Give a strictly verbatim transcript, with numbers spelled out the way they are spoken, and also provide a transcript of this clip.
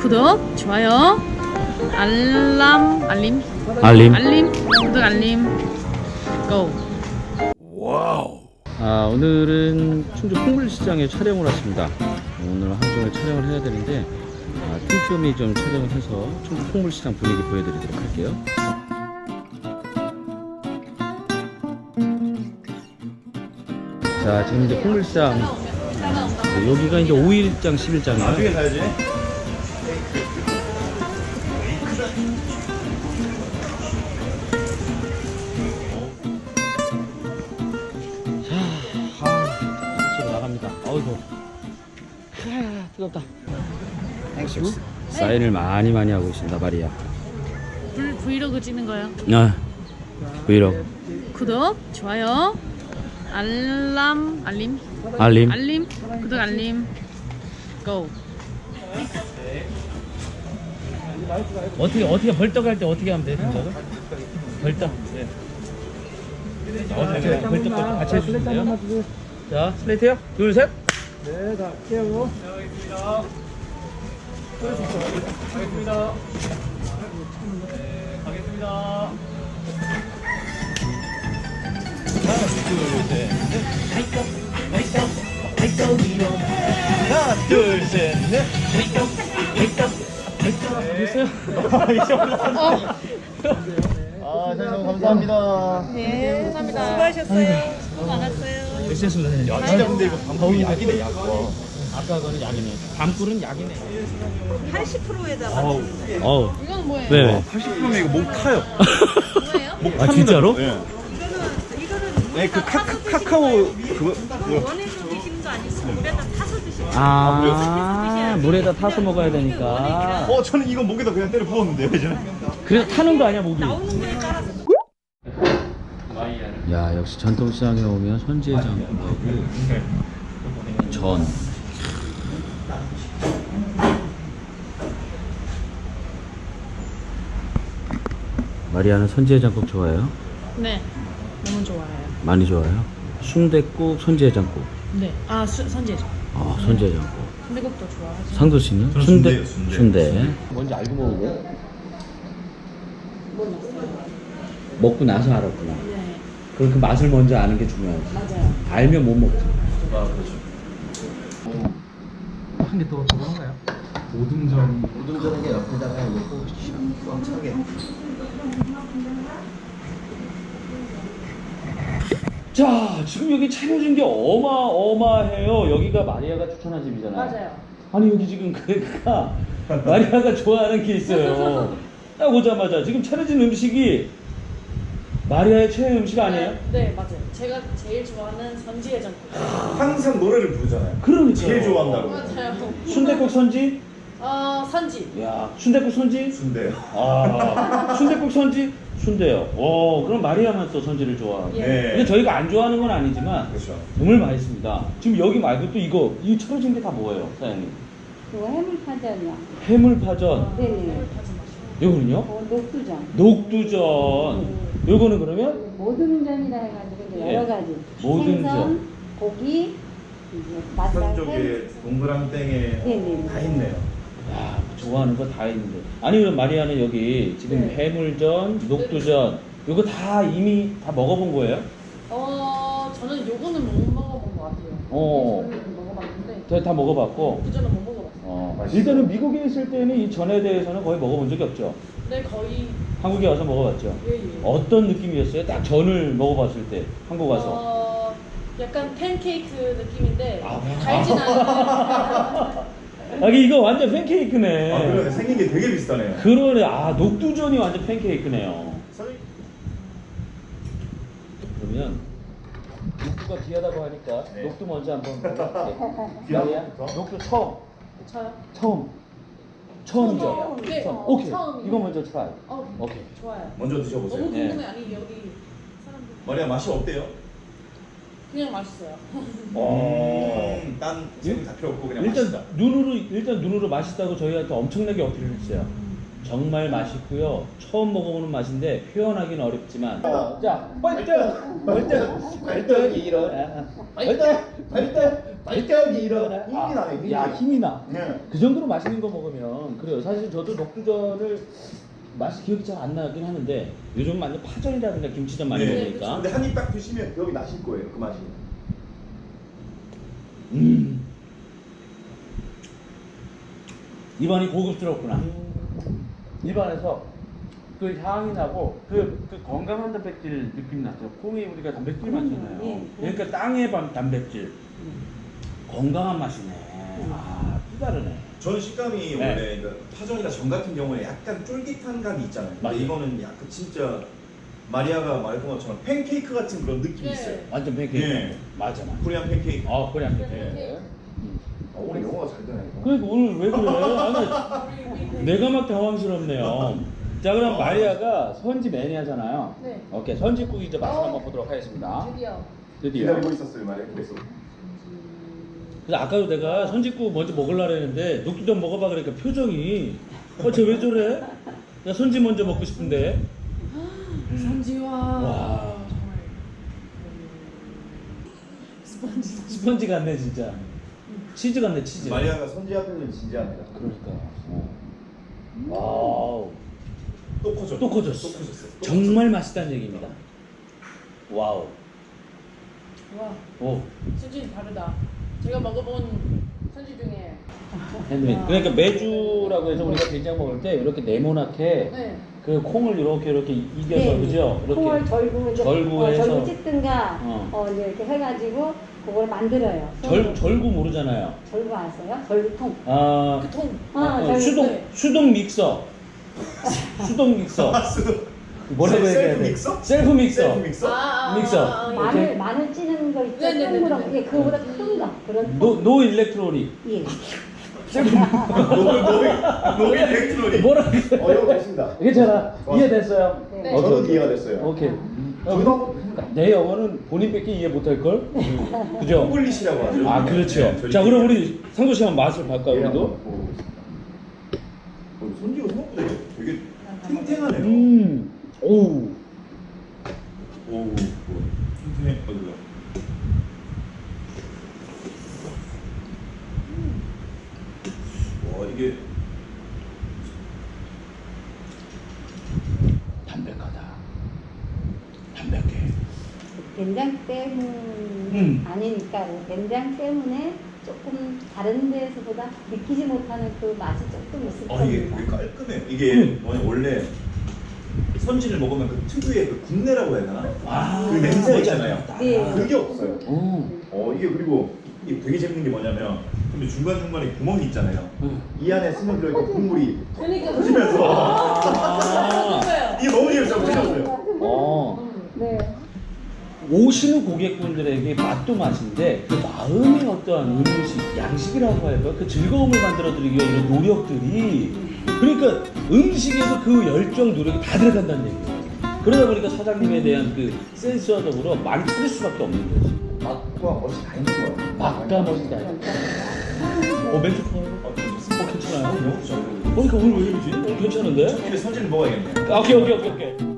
구독, 좋아요, 알람, 알림, 알림. 알림, 구독, 알림, 고! 와우. 아, 오늘은 충주 풍물시장에 촬영을 왔습니다. 오늘 하루 종일 촬영을 해야 되는데 아, 틈틈이 좀 촬영을 해서 충주 풍물시장 분위기 보여드리도록 할게요. 자, 지금 이제 풍물시장 네, 여기가 이제 오 일장, 십 일장이에요. 나중에 사야지. 아, 나갑니다. 어이구, 아, 뜨겁다. 사인을 많이 많이 하고 있습니다, 마리아. 불, 브이로그 찍는 거예요. 아, 브이로그. 구독, 좋아요, 알람, 알림, 알림. 알림, 구독, 알림, 고! 어떻게 어떻게 벌떡 할 때 어떻게 하면 돼? 동작을? 벌떡. 네. 어떻게 벌떡 같이 해주시면 돼요. 자, 슬레이트요. 둘, 셋. 네, 다 깨우고. 가겠습니다. 네, 가겠습니다. 하나, 둘, 셋, 하나, 둘, 셋, 넷. 됐어요? 아, 선생님 감사합니다. 네, 감사합니다. 수고하셨어요. 수고 많았어요. 됐습니다. 야, 진짜 근데 이거 방법이 약이네, 약. 와. 아까 거는 약이네. 밤꿀은 약이네. 팔십 퍼센트에다가 어우, 어우. 이건 뭐예요? 네. 팔십 퍼센트면 이거 목 타요. 뭐예요? 목 아, 타는 진짜로? 거. 네. 이거는 이거는 네, 그 카, 카, 카카오 그거 그거. 원해서 드시는 거 아니고 물에다 타서 드시는 거. 아, 물에다 타서 먹어야 되니까. 어, 저는 이거 목에다 그냥 때려 부었는데요, 예전에. 그래서 타는 거 아니야, 목이? 나오는 거에 따라서. 야, 역시 전통시장에 오면 손지의 장국하고 전. 마리아는 손지의 장국 좋아해요? 네, 너무 좋아해요. 많이 좋아해요? 순댓국, 손지의 장국. 네, 아, 수, 선지죠. 아, 손지의 장국. 순대국도 좋아하죠. 상도 씨는? 저는 순대. 순대예요, 순대. 순대. 뭔지 알고 먹은 거야? 먹고 나서 알았구나. 네, 그럼 그 맛을 먼저 아는 게 중요하지. 맞아요. 알면 못 먹지. 아, 그렇죠. 한 개 더 들어가나요? 오등전 우동전은 게 옆에다가 이거 꽉 차게. 자, 지금 여기 차려진 게 어마어마해요. 여기가 마리아가 추천한 집이잖아요. 맞아요. 아니, 여기 지금 그러니까 마리아가 좋아하는 게 있어요. 딱 오자마자 지금 차려진 음식이 마리아의 최애 음식 아니에요? 네, 네, 맞아요. 제가 제일 좋아하는 선지의 전국. 항상 노래를 부르잖아요. 그러니까요. 제일 좋아한다고. 맞아요. 순댓국 선지? 어, 선지. 야, 순댓국 선지? 순대요. 아, 순댓국 선지? 순대요. 오, 그럼 마리아만 또 선지를 좋아하고. 예. 네. 근데 저희가 안 좋아하는 건 아니지만 그렇죠. 정말 맛있습니다. 지금 여기 말고 또 이거 이 차려진 게 다 뭐예요, 사장님? 그거 해물파전이요. 해물파전. 네네. 요거는요? 어, 녹두전. 녹두전. 요거는 그러면 모든 전이라 해가지고 이제 예. 여러 가지. 모든 생선, 전. 고기, 이제 맛살, 햄. 쪽에 동그랑땡에 네네. 다 있네요. 야, 좋아하는 거 다 있는데. 아니, 그럼 마리아는 여기 지금 네. 해물전, 녹두전 요거 다 이미 다 먹어본 거예요? 어, 저는 요거는 못 먹어본 것 같아요. 어. 저는 먹어봤는데 저 다 먹어봤고. 그전은 못 먹어봤어요. 어, 일단은 미국에 있을 때는 이 전에 대해서는 거의 먹어본 적이 없죠. 네, 거의 한국에 와서 먹어봤죠. 예, 예. 어떤 느낌이었어요? 딱 전을 먹어봤을 때 한국 와서. 어, 약간 팬케이크 느낌인데 아. 달진 않아요. 아, 이거 완전 팬케이크네. 아, 그러네. 생긴 게 되게 비슷하네요. 그러네. 아, 녹두전이 완전 팬케이크네요. 선생님. 그러면 녹두가 귀하다고 하니까 네. 녹두 먼저 한번 먹어볼게. 귀하다? 마리아, 녹두 처음. 저요? 처음. 처음이죠? 처음. 네, 처음. 어, 오케이. 처음이요. 이거 먼저 트라이. 어, 오케이. 좋아요. 먼저 드셔보세요. 너무 네. 궁금해. 아니 여기 사람들 마리아 맛이 어때요? 그냥 맛있어요. 어. 음, 딴 색이 다 필요 없고 그냥 일단 맛있다. 눈으로 일단 눈으로 맛있다고 저희한테 엄청나게 어필을 했어요. 정말 맛있고요. 처음 먹어보는 맛인데 표현하기는 어렵지만 자, 벌떡! 벌떡! 벌떡이 일어나. 벌떡! 벌떡! 벌떡이 일어나. 힘이 나네, 힘이. 야, 힘이 나. 네. 그 정도로 맛있는 거 먹으면 그래요. 사실 저도 녹두전을 맛이 기억이 잘 안 나긴 하는데 요즘 완전 파전이라든가 김치전 많이 네. 먹으니까 근데 한 입 딱 드시면 기억이 나실 거예요, 그 맛이. 음. 입안이 고급스럽구나. 입안에서 그 향이 나고 그, 그 건강한 단백질 느낌 나죠. 콩이 우리가 단백질 많잖아요. 예, 그러니까 땅의 반 단백질. 건강한 맛이네. 아, 또 다르네. 저는 식감이 네. 원래 그 파전이나 전 같은 경우에 약간 쫄깃한 감이 있잖아요. 근데 맞아요. 이거는 약간 진짜 마리아가 말했던 것처럼 팬케이크 같은 그런 느낌이 네. 있어요. 완전 팬케이크. 예. 맞아, 맞아. 코리안 팬케이크. 아, 그냥 팬케이크. 팬케이크. 어, 오늘 영어가 잘 되네. 그러니까 오늘 왜 그래? 아니, 내가 막 당황스럽네요. 자, 그럼 마리아가 선지 매니아잖아요. 네. 오케이, 선지국 이제 맛을 한번 보도록 하겠습니다. 드디어. 드디어. 기다리고 있었어요, 마리아. 그래서. 그래서 아까도 내가 선지국 먼저 먹으려고 했는데 녹두전 먹어봐 그러니까 표정이 어, 쟤 왜 저래? 나 선지 먼저 먹고 싶은데. 선지와. 와. 정말. 스펀지. 스펀지 같네 진짜. 치즈 같네 치즈. 마리아가 선지 앞에는 진지합니다. 그러니까. 어. 와우. 또 커졌어. 또 커졌어. 또 커졌어. 또 정말 맛있다는 얘기입니다. 와우. 와, 오. 수준이 다르다. 제가 먹어본 선지 중에. 핸드메이드. 그러니까 매주라고 해서 우리가 된장 먹을 때 이렇게 네모나게 네. 그 콩을 이렇게 이렇게 이겨서 네, 그죠? 이렇게 콩을 절구 이제 절구 어, 해서. 절구 찢든가 어. 어. 이제 이렇게 해가지고 그걸 만들어요. 절 절구 모르잖아요. 절구 아세요? 절구통. 아. 그 통. 어, 어, 절구. 수동 네. 수동 믹서. 수동 믹서. 뭐라고 셀프 해야 돼? 믹서? 셀프 믹서. 셀프 믹서? 아, 아, 믹서. 아, 아, 마늘 이렇게. 마늘 찌는 거 있죠? 네네네네. 동그란 게 그거보다 큰 거. 그런 노, 통. 노 일렉트로닉. 예. 셀프 노벨 노벨 노벨 일렉트로닉. 뭐라고 해? 어, 이거 됐습니다. 괜찮아. 이해됐어요? 네. 네. 오케이, 저는 오케이. 이해가 됐어요. 오케이. 저도 한번 했습니다. 내 영어는 본인밖에 이해 못할 걸. 그죠? 콩글리시라고 하죠. 아 그렇죠. 네, 저희 자 그럼 우리 상도 씨 한번 맛을 볼까요 예, 우리도? 한번 먹어보겠습니다. 어, 손지가 생각보다 되게 탱탱하네요. 음. 오. 오, 오, 탱탱해. 어이구야. 와, 이게 담백하다. 담백해. 된장 때문 음. 아니니까 된장 때문에 조금 다른 데서보다 느끼지 못하는 그 맛이 조금 있을 아, 이게 겁니다. 되게 깔끔해요. 이게 음. 뭐냐 원래 선지를 먹으면 그 특유의 그 국내라고 해야 되나? 아. 그 냄새 있잖아요. 네. 그게 없어요. 오. 어, 이게 그리고 이게 되게 재밌는 게 뭐냐면 근데 중간 중간에 구멍이 있잖아요. 음. 이 안에 스며들어 있는 국물이 그러니까 터지면서 아. 그거예요. 이게 너무 재밌어 보셨어요. 어. 네. 오시는 고객분들에게 맛도 맛인데 그 마음의 어떠한 음식, 양식이라고 할까요? 그 즐거움을 만들어드리기 위한 이런 노력들이 그러니까 음식에서 그 열정, 노력이 다 들어간다는 얘기예요. 그러다 보니까 사장님에 대한 그 센스와 더불어 많이 터질 수밖에 없는 거지. 맛과 멋이 다 있는 거예요. 맛과 멋이 다 있다. 어, 멘트 좋아요. 어, 어, 좋습니다. 괜찮아요. 너무 좋아요. 그러니까 오늘 왜 이러지? 어, 괜찮은데? 첫 입에 선지를 먹어야겠네요. 아, 오케이, 오케이, 오케이, 오케이.